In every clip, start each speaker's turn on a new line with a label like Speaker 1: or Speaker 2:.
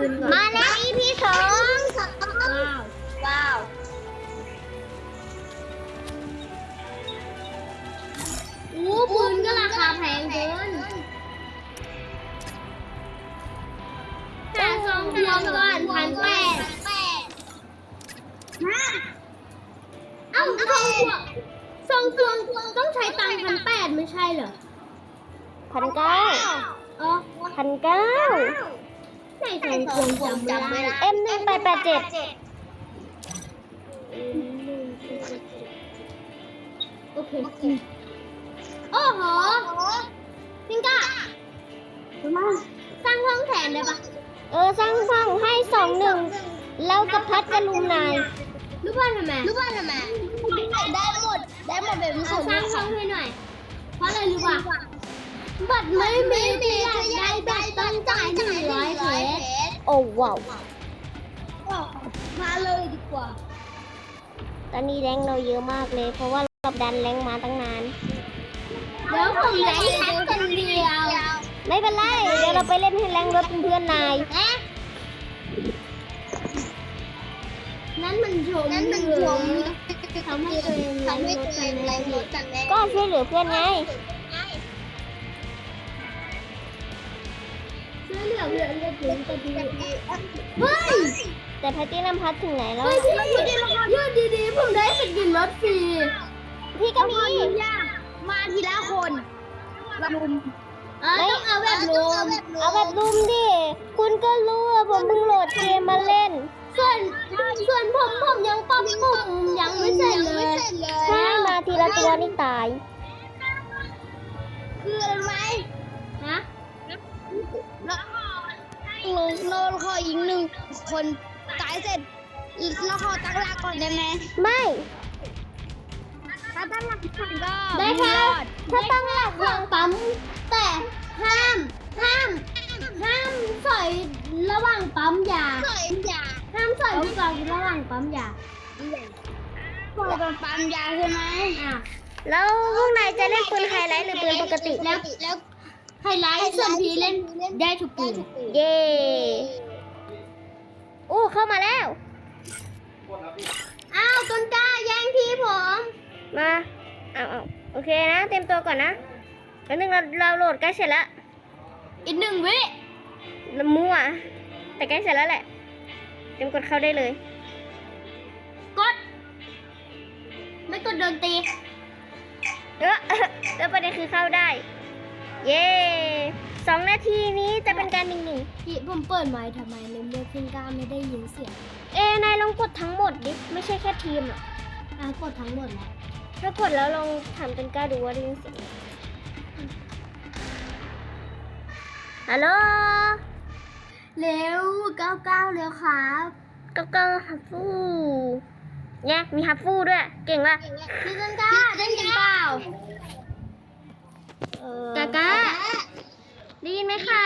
Speaker 1: นก่อน
Speaker 2: มาแล้ว EP 2ว้าวอู้ปืนก็ราคาแพงเกินหาซองทวงก่อน1,800เอ้าซองทวงต้องใช้ตังค์1,800ไม่ใช่เหรอ
Speaker 3: 1,900
Speaker 2: อ๋อ
Speaker 3: 1,900
Speaker 2: ไหนซองทวงจำไม่ได้
Speaker 3: M1887
Speaker 2: โอเคโอ้โหพิงก้าสร้างห้องแทนได้ปะ
Speaker 3: สร้างห้องให้21แล้วกับพัดจะลุมนาย
Speaker 2: รู้ป่ะทำไม
Speaker 1: ได้หมดแบบนี้
Speaker 2: เอาสร้างห้องให้หน่อย เพราะอะไรรู้ป่ะบัตรไม่มีที่อยากได้บัตรต้องจ่าย100 เพชร
Speaker 3: โอ้ว้าว
Speaker 1: มาเลยดีกว่า
Speaker 3: ตอนนี้แรงเราเยอะมากเลย เพราะว่าเราดันแรงมาตั้งนาน
Speaker 2: เดี๋ยวผมแรงแค่คนเดียว
Speaker 3: ไม่เป็นไร เดี๋ยวเราไปเล่นให้แรงรถเป็นเพื่อนนาย
Speaker 2: นั่นมันชมทำให้ตัวเองแรงรถกันแน่
Speaker 3: ก็ช่วยเหลือเพื่อนไง
Speaker 2: ช่วยเหลือเพื่อนก็ถึงจะดีเฮ้ย
Speaker 3: แต่แพตตี้นำพัดถึงไหนแล้ว
Speaker 2: เฮ้ยพี่ยืดดีๆผมได้สกินรถฟรี
Speaker 3: พี่ก็มี
Speaker 1: มาทีละคนลุม
Speaker 2: ต้องเอาแบบรวม
Speaker 3: เอาแบบรุมดิ คุณก็รู้ว่าผมเพิ่งโหลดเกมมาเล่น
Speaker 2: ส่วนผมยังปั๊มปุ่มยังไม่เสร็จเลย
Speaker 3: ใช่มาทีละตัวนี่ตาย
Speaker 1: คืออะไร
Speaker 2: ฮะ
Speaker 1: เราขอยิง1 คนตายเสร็จเราขอตั้งหลักก่อนได้ไหม
Speaker 3: ไม่
Speaker 1: ถ้าตั้งหลักก่อนก็
Speaker 2: ได้ค่ะ ถ้าตั้งหลักวางปั๊มแต่ห้ามสอยระหว่างปั๊มยา
Speaker 1: สวยอย่า
Speaker 2: ห้ามสอยลูกกอล์ฟระหว่างปั๊มยา
Speaker 1: พอเป็นปั๊มยาใช่ไหม
Speaker 2: อ่ะ
Speaker 3: แล้วพวกนายจะเล่นปืนไฮไลท์หรือปืนปกติ
Speaker 1: แล้ว
Speaker 2: ไฮไลท์ส่วนพีเล่นได้ทุกปืน
Speaker 3: เย่อู้เข้ามาแล้ว
Speaker 2: อ้าวต้นกล้าแย่งที่ผม
Speaker 3: มาเอาโอเคนะ เต็มตัวก่อนนะแล้วนึงเราโหลดใกล้เสร็จแล้ว
Speaker 2: อีก1 วิ
Speaker 3: มั่ว แต่ใกล้เสร็จแล้วแหละ เต็มกดเข้าได้เลย
Speaker 2: กด ไม่กดโดนตี
Speaker 3: แล้วประเด็นคือเข้าได้ เย่2 นาทีนี้จะเป็นการหนึ่ง
Speaker 2: พี่ผมเปิดไมค์ทำไมในเมื่อพิงก้าไม่ได้ยินเสียง
Speaker 3: นายลองกดทั้งหมดดิ ไม่ใช่แค่ทีมหรอก
Speaker 2: กดทั้งหมดแล้ว
Speaker 3: ถ้ากดแล้วลองถามเป็นกล้าดูว่าได้ยินเสียงไหมฮัลโหล
Speaker 2: เร็ว99เร็วครับ
Speaker 3: ก็ฮับฟูเนี่ยมีฮับฟูด้วย เก่งว่ะ
Speaker 2: พี่ต้นกล้าได้ยินเปล่า
Speaker 3: กากาได้ยินไหมคะ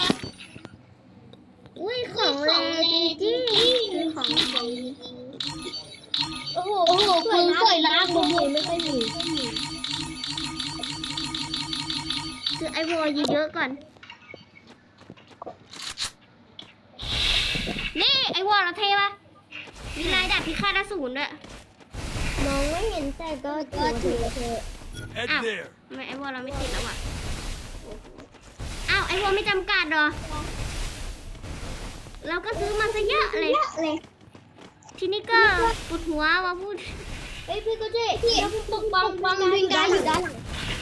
Speaker 3: อุ้ยของแรงจริงๆคือของดี
Speaker 2: โอ้โหปืนสวยนะบุ๋มไม่ค่อยมี
Speaker 3: คือไอวอลเยอะๆก่อน นี่ไอวอลเราเท่ปะมีลายดาบพิฆาตอสูรด้วย
Speaker 2: มองไม่เห็นแต่ก็ถือเธอ
Speaker 4: Head
Speaker 3: Ow.
Speaker 4: there.
Speaker 3: ทำไมไอวอลเราไม่ติดแล้วอ่ะอ้าวไอวอลไม่จำกัดเหรอ เราก็ซื้อมาซะเยอะเลย ทีนี้ก็ปวดหัวว่าพูด
Speaker 2: เอ้ยพี่ก็เจ๊แล้วปกป้องพิงก้าอยู่ด้านหลัง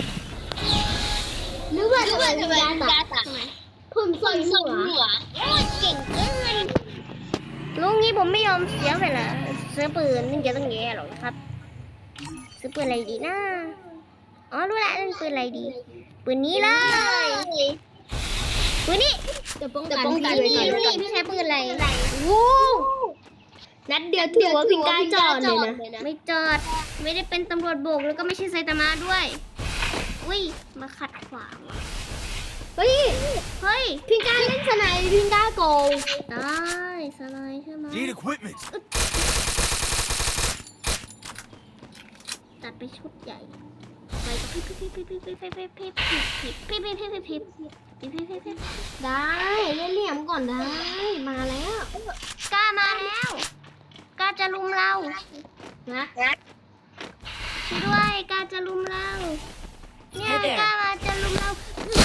Speaker 2: หรือว่าทำไมพิงก้าตัดผมสวยหัว
Speaker 3: เก่งเกินลุงนี้ผมไม่ยอมเสียเวลาซื้อปืนนึงจะต้องแย่หรอกครับ ซื้อปืนอะไรดีนะอ๋อรู้ละเล่นปืนอะไรดี ปืนนี้เลยปืนนี้
Speaker 2: จะป้องกัน
Speaker 3: นี่พี่ใช้ปืนอะไรวู้
Speaker 2: นัดเดียวถือว่าพิงก้าจอดเลยนะ
Speaker 3: ไม่จอด ไม่ได้เป็นตำรวจโบกแล้วก็ไม่ใช่ไซตามะด้วย อุ้ย มาขัดขวางว่ะ
Speaker 2: เฮ้ย
Speaker 3: เฮ้ย
Speaker 2: พิงก้าเล่นสไนด์พิงก้าโกง
Speaker 3: ได้สไลด์ใช่ไหม
Speaker 4: Need equipment.
Speaker 3: ตัดไปชุดใหญ่ ไปก็พิบพิบพิบพิบพิบพิบพิบพิบพิบพิบพิบพิบพิบพิบพิบพิบพิบพิบ
Speaker 2: ได้เล่นเหลี่ยมก่อนได้มาแล้ว
Speaker 3: กล้ามาแล้วกล้าจะลุมเรา
Speaker 2: นะ
Speaker 3: ช่วยด้วยกล้าจะลุมเราเนี่ยกล้ามาจะลุมเรา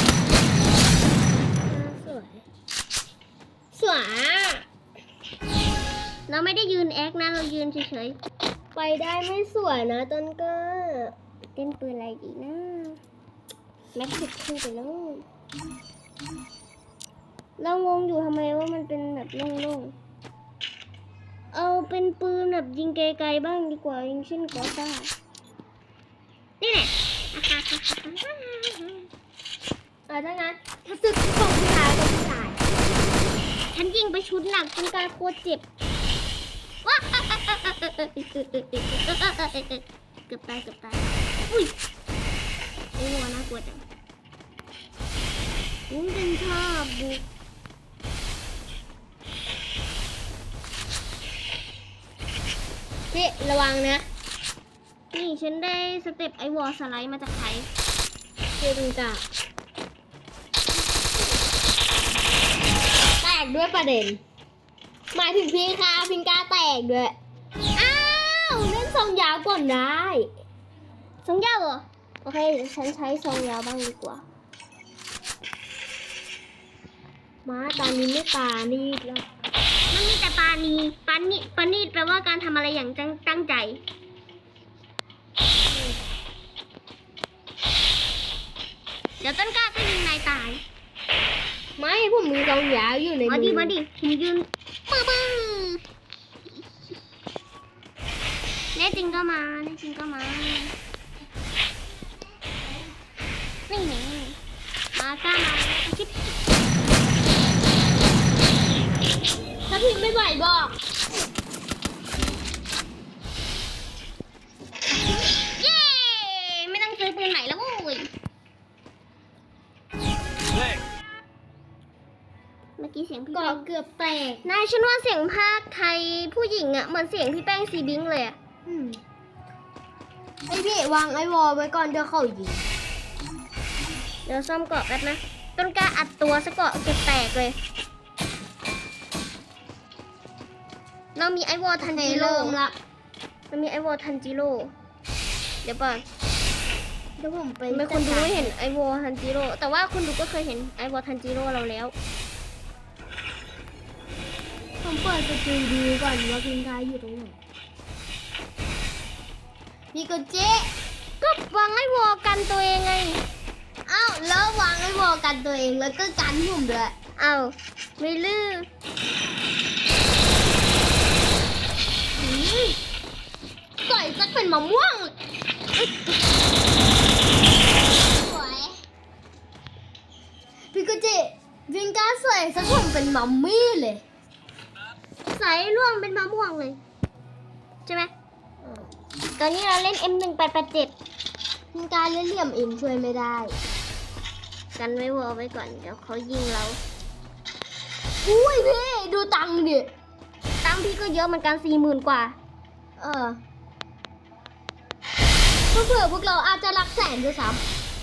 Speaker 2: สวยสวย
Speaker 3: เราไม่ได้ยืนแอคนะเรายืนเฉย
Speaker 2: ไปได้ไม่สวยนะต้นก็
Speaker 3: ๆเล่นปืนอะไรดีนะแม็กซ์ขึ้นไปแล้วเรางงอยู่ทำไมว่ามันเป็นแบบโล่งๆเอาเป็นปืนแบบยิงไกลๆบ้างดีกว่ายิงเช่นกอซ่านี่แหละ
Speaker 2: ถ้างั้นถ้าศึกของผู้ชายกับผู้ชาย
Speaker 3: ฉันยิงไปชุดหนักจนกลายโคตรเจ็บว้าเกือบตายอุ้ยโอ้น่ากลัวจังผมเป็นชอบบุก
Speaker 2: พี่ระวังนะ
Speaker 3: นี่ฉันได้สเต็ปไอวอลสไลด์มาจากใคร
Speaker 2: พี่พิงกาแตกด้วยประเด็นหมายถึงพี่ค่ะพิงกาแตกด้วยอ้าวเล่นทรงยาวก่อนได้
Speaker 3: ทรงยาวเหรอ โอเคเดี๋ยวฉันใช้ทรงยาวบ้างดีกว่า
Speaker 2: มาตอนนี้ไม่ปานี่แล้ว
Speaker 3: มันมีแต่ปานีปานีแปลว่าการทำอะไรอย่างตั้งใจ เดี๋ยวต้นกล้าก็ยิงนายตาย
Speaker 2: ไม่ผมมีทรงยาวอยู่ใน
Speaker 3: มา
Speaker 2: มื
Speaker 3: ดิ
Speaker 2: อ
Speaker 3: มาดิผมยืนปื้อแน่จริงก็มาแน่จริงก็มานี่ไงมากล้ามาคิด
Speaker 2: ถ้าพี่ไม่ไหวบอก
Speaker 3: เย้ไม่ต้องซื้อปืนใหม่แล้วโว้ยเมื่อกี้เสียงพี่
Speaker 2: ก็
Speaker 3: แป้ง
Speaker 2: เกือบแตก
Speaker 3: นายฉันว่าเสียงภาคไทยผู้หญิงอะเหมือนเสียงพี่แป้งซีบิงเลยอะ
Speaker 2: ไอพี่วางไอวอลไว้ก่อนเดี๋ยวเขายิง
Speaker 3: เดี๋ยวซ่อมเกาะแป๊บนะต้นกล้าอัดตัวซะเกาะเกือบแตกเลย เรามีไอวอลทันจิโร่
Speaker 2: เริ่มละ
Speaker 3: เรามีไอวอลทันจิโร่เดี๋ยวก่อน
Speaker 2: เดี๋ยวผมไป
Speaker 3: ทำไมคนดูไม่เห็นไอวอลทันจิโร่แต่ว่าคนดูก็เคยเห็นไอวอลทันจิโร่เราแล้ว
Speaker 2: ผมเปิดสกิลดูก่อนว่าพิงกาอยู่ตรงไหนพี่ก็เจ๊
Speaker 3: ก็วางไอวอลกันตัวเองไง
Speaker 2: อ้าวแล้ววางไอวอลกันตัวเองแล้วก็กันผมด้วย
Speaker 3: เอาไม่ลือ
Speaker 2: สวยสักเป็นมะม่วงสวยพี่ก็เจ๊พิงกาสวยสักผมเป็นมัมมี่เลย
Speaker 3: ใส่ร่วงเป็นมะม่วงเลยใช่ไหมตอนนี้เราเล่น M1887
Speaker 2: พิงกาเล่นเหลี่ยมเองช่วยไม่ได้
Speaker 3: กันไว้วอลไว้ก่อนเดี๋ยวเขายิงเรา
Speaker 2: อุ้ยพี่ดูตังค์ดิ
Speaker 3: ตังค์พี่ก็เยอะเหมือนกัน40,000 กว่า
Speaker 2: เผื่อพวกเราอาจจะรักแสนด้วยซ้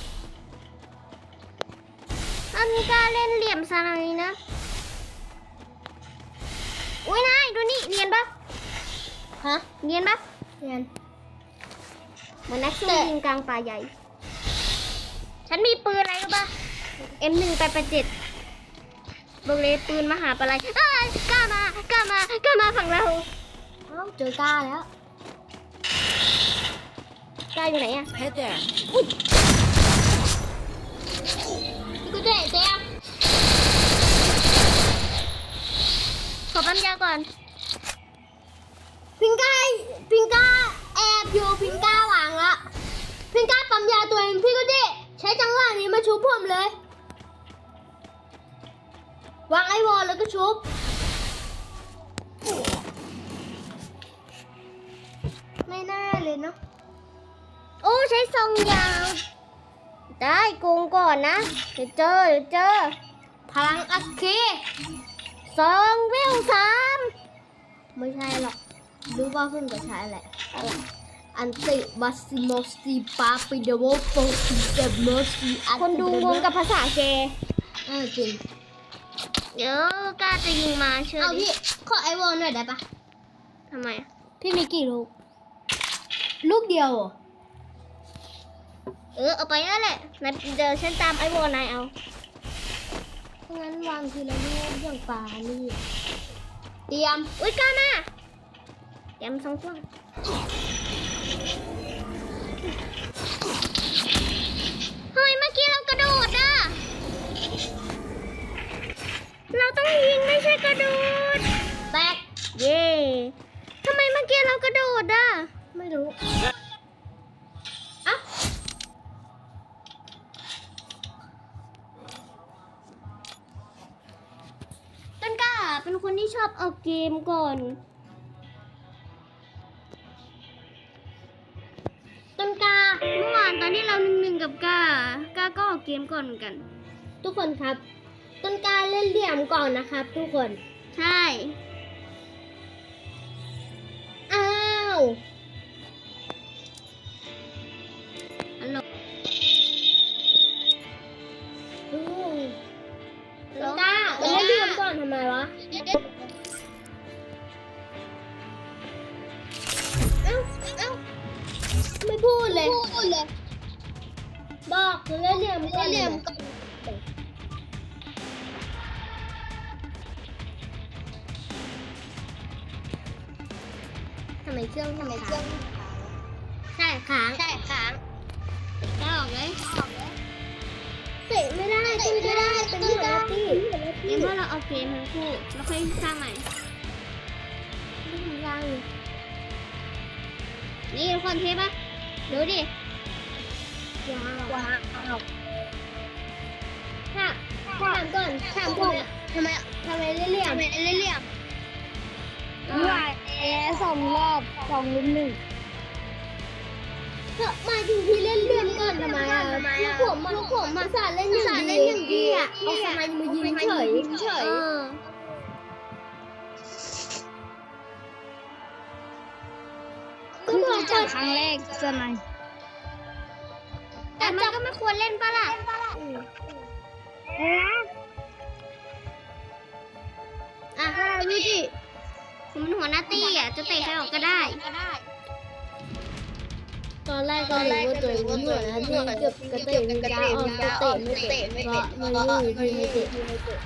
Speaker 3: อันนี้ก็เล่นเหลี่ยมสไนด์นะ อุ้ยนายดูนี่เนียนปะ
Speaker 2: ำฮะ
Speaker 3: เนียนปะ
Speaker 2: เรียน
Speaker 3: เหมือนนักสู้ยิงกลางป่าใหญ่ ฉันมีปืนอะไรรู้ปะ M1887 บอกเลยปืนมหาปลัยอ้ายกล้ามากล้ามาฝั่งเรา
Speaker 2: เอ้าเจอกล้าแล้ว
Speaker 3: กล้าอยู่ไหนอะ
Speaker 4: Head there.
Speaker 2: พี่ก็เจ๊เจ๊
Speaker 3: ขอปั๊มยาก่อน
Speaker 2: พิงกาแอบอยู่พิงกาวางละพิงกาปั๊มยาตัวเองพี่ก็เจ๊ใช้จังหวะนี้มาชุบผมเลย วางไอวอลแล้วก็ชุบ ไม่น่าเลยเนาะ
Speaker 3: โอ้ใช้ซองยาว ได้โกงก่อนนะ เดี๋ยวเจอ
Speaker 2: พลังอัคคี
Speaker 3: ซองเวล3
Speaker 2: ไม่ใช่หรอกรู้ว่าเพิ่งจะใช้แหละอันติบัสซิโมซีปาปิเดโวโฟซิเดโมซีอัน
Speaker 3: คนดูงงกับภาษาแก
Speaker 2: จริง
Speaker 3: เดี๋ยวกล้าจะยิงมาเชื่อ
Speaker 2: เอา
Speaker 3: ดิ
Speaker 2: พี่ขอไอวอลหน่อยได้ปะ
Speaker 3: ทำไมอะ
Speaker 2: พี่มีกี่ลูก ลูกเดียวเหรอ
Speaker 3: เอาไปนั่นแหละนายเดี๋ยวฉันตามไอ้วอนายเอา
Speaker 2: งั้นวางทีละลูกอย่างปลานี่เตรียม
Speaker 3: อุ้ยกล้ามาเตรียม2 ตัวเฮ้ยเมื่อกี้เรากระโดดอ่ะเราต้องยิงไม่ใช่กระโดด
Speaker 2: แตก
Speaker 3: เย่ทำไมเมื่อกี้เรากระโดดอ่ะ
Speaker 2: ไม่รู้อ่ะ
Speaker 3: ต้นกล้าเป็นคนที่ชอบเอาเกมก่อน
Speaker 2: ต้นกล้า
Speaker 3: เมื่อวานตอนที่เรา1-1กับกล้าก็เอาเกมก่อนเหมือนกัน
Speaker 2: ทุกคนครับ ต้นกล้าเล่นเหลี่ยมก่อนนะครับ ทุกคน
Speaker 3: ใช่
Speaker 2: อ้าว
Speaker 3: ฮัลโหล
Speaker 2: อืมต้นกล้าเล่นเหลี่ยมก่อนทำไมวะ เอ้าไม่พูดเลย บอกเล่นเหลี่ยมก่อนเลย ทำไมเครื่องค้างใช่ค้าง
Speaker 3: กล้าออกเลย
Speaker 2: เตะไม่ได้ขึ้นไม่ได้เป็นหัวหน้าที่
Speaker 3: เกมว่าเราเอาเกมทั้งคู่แล้วค่อยสร้างใหม่
Speaker 2: ไม่ทำยัง
Speaker 3: นี่ทุกคนเทปะดูดิ
Speaker 2: ว้าวถามก่อนถามก่อน
Speaker 1: ทำไม
Speaker 2: ทำไมเล่นเหลี่ยม
Speaker 1: เรียบว่า2 รอบ2 ลุม 1
Speaker 2: เธอหมายถึงพี่เล่นเหลี่ยมก่อนทำไมอ่ะลูกผมมาสาเล่นอย่างดีอ่ะเอาทำไมมายิงเฉย
Speaker 3: เออ
Speaker 2: ก็บอก
Speaker 1: จั
Speaker 2: ก่
Speaker 1: บ
Speaker 2: อน
Speaker 1: ครั้งแรกสนาย
Speaker 3: แต่มันก็ไม่ควรเล่นปะล่ะ
Speaker 2: อ่ะ
Speaker 1: ดูดิ
Speaker 3: ผมเป็นหัวหน้าตี้อ่ะจะเตะใครออกก็ได้
Speaker 2: ตอนแรกก็รู้ว่าตัวเองเป็นหัวหน้าที่เกือบกระเตะมีกาออกกระเตะไม่เตะเพราะมันไม่มีที่ให้เตะ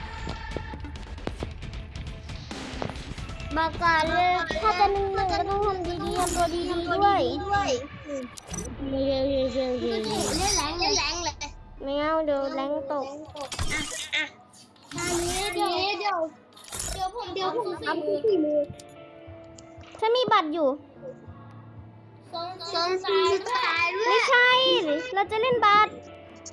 Speaker 3: บอกก่อนเลยถ้าจะ1-1ก็ต้องทำดีๆทำตัวดีๆด้วย
Speaker 2: เล่นแรงเลย
Speaker 3: ไม่เอาเดี๋ยวแรงตก
Speaker 2: ตอนนี้เดี๋ยวผม
Speaker 1: อัพที่มือ
Speaker 3: ฉันมีบัตรอยู่
Speaker 2: ซ้อนสุดท้ายด้ว
Speaker 3: ไม่
Speaker 2: ย
Speaker 3: ใช่ เราจะเล่นบัตร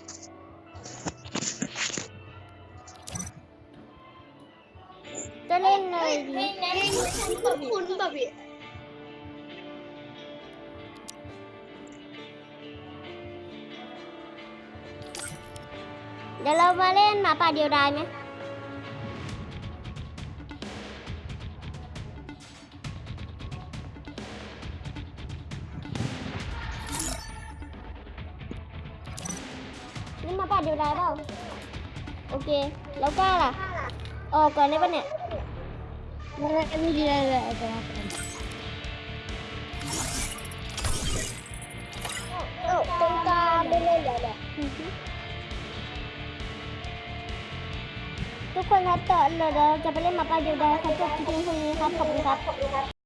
Speaker 3: จะเล่นเลยดี
Speaker 1: คุณแบบนี้
Speaker 3: เดี๋ยวเรามาเล่นหมาป่าเดียวดายไหมเล่นหมาป่าเดียวดายเปล่า โอเค แล้วกล้าล่ะ ออกก่อนได้ปะเนี่ย
Speaker 1: ไม่ดีเลยแต่
Speaker 2: ตรงกลางไม่เล่นแล้ว
Speaker 3: ทุกคนครับต่อเราจะไปเล่นหมาป่าเดียวดายครับจบคลิปเพียงเท่านี้ครับ ขอบคุณครับ